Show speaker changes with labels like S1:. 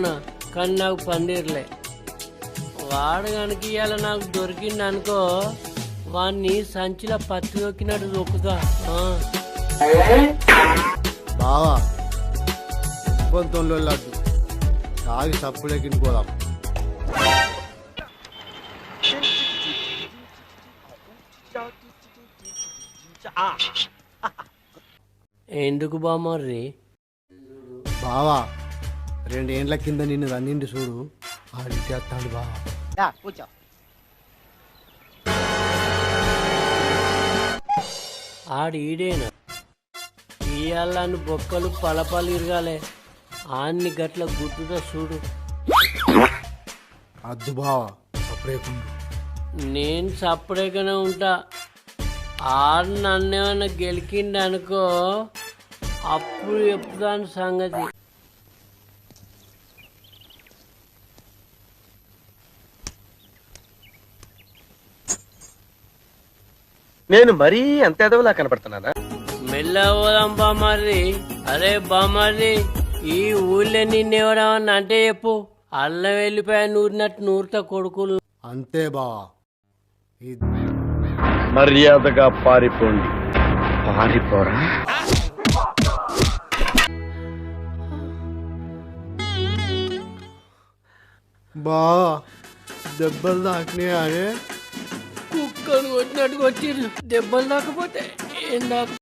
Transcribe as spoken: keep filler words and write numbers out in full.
S1: అనుకున్నా, కానీ నాకు పందిర్లే. వాడు కనుక ఇవాళ నాకు దొరికింది అనుకో, వాడిని సంచిలో పత్తి దొక్కినట్టు దొక్కుతా.
S2: బావా ఒప్పంతంలో లడ్డు తాగి సప్పుడెక్కింది పోదాం.
S1: ఎందుకు బామర్రి?
S2: బావా రెండేండ్ల కింద నిన్ను రన్నిండి చూడు, ఆడిచ్చేస్తాడు బావా.
S3: కూర్చో.
S1: ఆడు ఈడేనా? ఇయ్యాలని బొక్కలు పలపలు ఇరగాలే, ఆన్ని గట్ల గుర్తుతో చూడు.
S2: అద్దు బావా సప్పుడేకుండు.
S1: నేను సపరేట్గానే ఉంటా. ఆడు నన్నేమన్నా గెలికిండి అనుకో, అప్పుడు చెప్తాను సంగతి.
S4: నేను మరీ అంత ఎదవలా కనపడుతున్నానా?
S1: మెల్లవదాం బామారి. అరే బామారి, ఈ ఊళ్ళో నిన్నెవడమన్నా అంటే చెప్పు, అల్లం వెళ్ళిపోయా నూరినట్టు నూరుతా కొడుకులు.
S2: అంతే బావా.
S4: మర్యాదగా పారిపోండి. పారిపోరా?
S2: బావా దెబ్బలు తాకినాయి అనే
S1: కుక్కలు కొట్టినట్టు కొట్టిర్రు. దెబ్బలు దాకపోతే ఏం దాకా